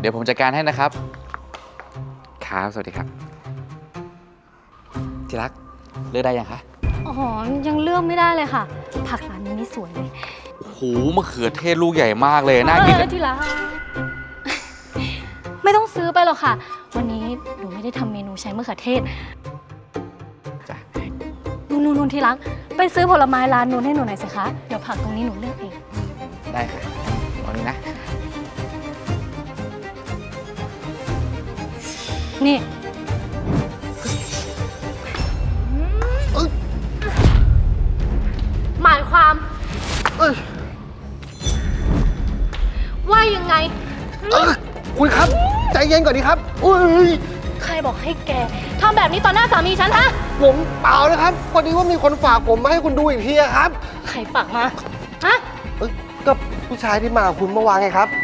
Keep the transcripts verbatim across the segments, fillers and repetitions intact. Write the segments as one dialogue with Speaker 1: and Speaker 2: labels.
Speaker 1: เดี๋ยวผมจัดการให้นะครับครับสวัสดีครับที่รักเลือกได้ยังคะ
Speaker 2: อ๋อยังเลือกไม่ได้เลยค่ะผักร้านนี้นี่สวยเลย
Speaker 1: โอ้โหมะเขือเทศลูกใหญ่มากเลยน่ากิน
Speaker 2: ที่รักไม่ต้องซื้อไปหรอกค่ะ วันนี้หนูไม่ได้ทำเมนูใช้มะเขือเทศ
Speaker 1: จ้ะ
Speaker 2: นู่นนู่นที่รักไปซื้อผลไม้ร้านนู้นให้หนูหน่อยสิคะเดี๋ยวผักตรงนี้หนูเลือกเอง
Speaker 1: ได้ค่ะวันนี้นะ
Speaker 2: นี่หมายความว่ายังไง
Speaker 3: คุณครับใจเย็นก่อนดีครับอุ้ย
Speaker 2: ใครบอกให้แกทำแบบนี้ต่อหน้าสามีฉันฮะ
Speaker 3: ผมเปล่านะครับพอดีว่ามีคนฝากผมมาให้คุณดูอีกทีครับ
Speaker 2: ใครฝากมาฮะ
Speaker 3: ก็ผู้ชายที่มาคุณเมื่อวานไงครับ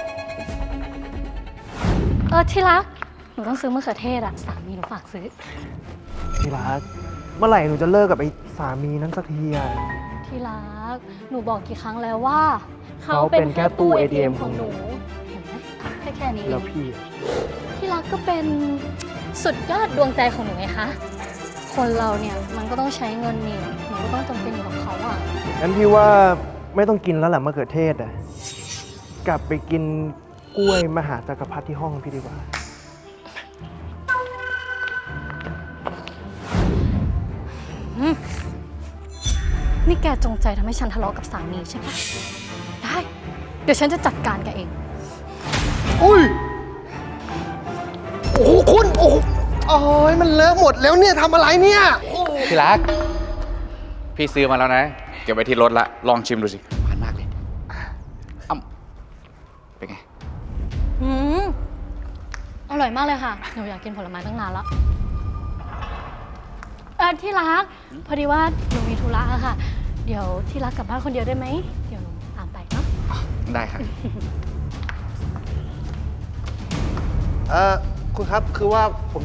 Speaker 2: เออที่รักหนูต้องซื้อมะเขือเทศอะสามีหนูฝากซื้อ
Speaker 3: ที่รักเมื่อไหร่หนูจะเลิกกับไอ้สามีนั้นสักทีอะ
Speaker 2: ที่รักหนูบอกกี่ครั้งแล้วว่า
Speaker 3: เขาเป็นแค่ตู้ เอ ที เอ็ม ของหนู
Speaker 2: เห็นไหมแค่แค่นี้
Speaker 3: แล้วพี่
Speaker 2: ที่รักก็เป็นสุดยอดดวงใจของหนูไงคะคนเราเนี่ยมันก็ต้องใช้เงินนี่หนูก็ต้องจำเป็นอยู่กับเขาอะ
Speaker 3: งั้นพี่ว่าไม่ต้องกินแล้วแหละมะเขือเทศอะกลับไปกินกล้วยมหาจักรพรรดิที่ห้องพี่ดีกว่า
Speaker 2: นี่แกจงใจทำให้ฉันทะเลาะกับสามีใช่ไหมได้เดี๋ยวฉันจะจัดการแกเอง
Speaker 3: อุ้ยโอ้โหคุณโอ้โหโอ้ยมันเลอะหมดแล้วเนี่ยทำอะไรเนี่ย
Speaker 1: ที่รักพี่ซื้อมาแล้วนะเก็บไว้ที่รถละลองชิมดูสิหวานมากเลยอ้ำเป็นไง
Speaker 2: อืมอร่อยมากเลยค่ะหนูอยากกินผลไม้ตั้งนานแล้วเออที่รักพอดีว่าหนูมีธุระค่ะเดี๋ยวที่รักกลับบ้านคนเดียวได้ไหมเดี๋ยวหนูตามไปเนาะ
Speaker 1: ได้ค่ะ
Speaker 3: เออคุณครับคือว่าผม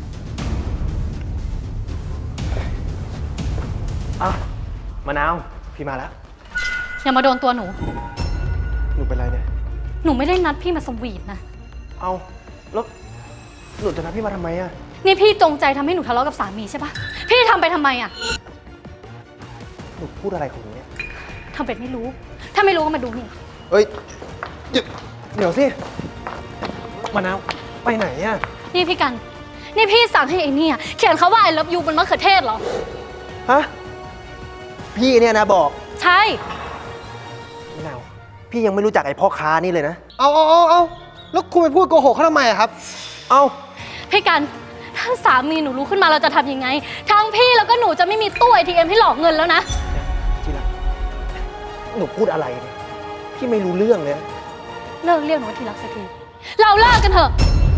Speaker 3: อ่ะมะนาวพี่มาแล้ว
Speaker 2: อย่ามาโดนตัวหนู
Speaker 3: หนูเป็นไรเนี่ย
Speaker 2: หนูไม่ได้นัดพี่มาสวีทนะ
Speaker 3: เอาแล้วหนูจะนัดพี่มาทำไมอะ
Speaker 2: นี่พี่จงใจทำให้หนูทะเลาะกับสามีใช่ปะพี่ทำไปทำไมอะ
Speaker 3: หนูพูดอะไรของหนูเนี่ย
Speaker 2: ทำเป็นไม่รู้ถ้าไม่รู้ก็มาดูนี่
Speaker 3: เฮ้ยเดี๋ยวเดี๋ยวสิมะนาวไปไหนอะ
Speaker 2: นี่พี่กันนี่พี่สั่งให้ไอ้นี่เขียนเขาว่า I love you บนมะเขือเทศเหรอ
Speaker 3: ฮะพี่เนี่ยนะบอก
Speaker 2: ใช่
Speaker 3: มะนาวพี่ยังไม่รู้จักไอ้พ่อค้านี่เลยนะเอาเอาเอาเอาแล้วคุณไปพูดโกหกเขาทำไมอะครับเอา
Speaker 2: พี่กันถ้าสามีหนูรู้ขึ้นมาเราจะทำยังไงทั้งพี่แล้วก็หนูจะไม่มีตู้ เอ ที เอ็ม ให้หลอกเงินแล้วนะ
Speaker 3: ที่รักหนูพูดอะไรเนี่ยพี่ไม่รู้เรื่องเลย
Speaker 2: เลิกเรียกหนูว่าที่รักสักทีเราเลิกกันเถอะ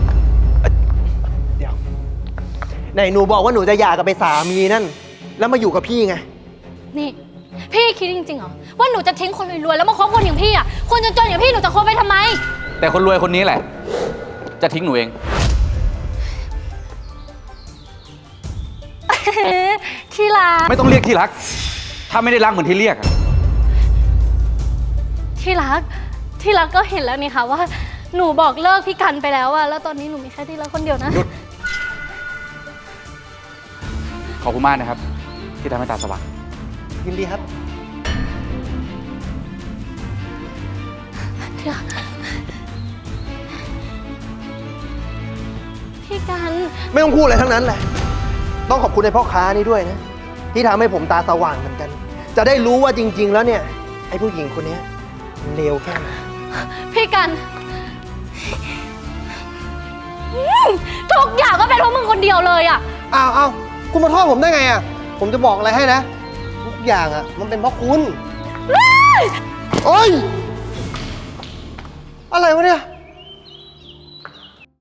Speaker 3: เดี๋ยวไหนหนูบอกว่าหนูจะหย่ากับไปสามีนั่นแล้วมาอยู่กับพี่ไง
Speaker 2: นี่พี่คิดจริงๆเหรอว่าหนูจะทิ้งคนรวยๆแล้วมาคบคนอย่างพี่อ่ะคนจนๆอย่างพี่หนูจะคบไปทำไม
Speaker 1: แต่คนรวยคนนี้แหละจะทิ้งหนูเอง
Speaker 2: ที่รัก
Speaker 1: ไม่ต้องเรียกที่รักถ้าไม่ได้รักเหมือนที่เรียกอะ
Speaker 2: ที่รักที่รักก็เห็นแล้วนี่ค่ะว่าหนูบอกเลิกพี่กันไปแล้วอะแล้วตอนนี้หนูมีแค่ที่รักคนเดียวนะ
Speaker 1: หยุดขอบคุณมากนะครับที่ทำให้ตาสว่าง
Speaker 3: ยินดีครับ
Speaker 2: พี่กัน
Speaker 3: ไม่ต้องพูดอะไรทั้งนั้นแหละต้องขอบคุณในพ่อค้านี่ด้วยนะที่ทำให้ผมตาสว่างเหมือนกันจะได้รู้ว่าจริงๆแล้วเนี่ยไอ้ผู้หญิงคนนี้เลวแค่ไหน
Speaker 2: พี่กันทุกอย่างก็เป็นเพราะมึงคนเดียวเลยอ่ะ
Speaker 3: อ้าวอ้าวคุณมาโทษผมได้ไงอ่ะผมจะบอกอะไรให้นะทุกอย่างอ่ะมันเป็นเพราะคุณโอ๊ยอะไรวะเนี่ย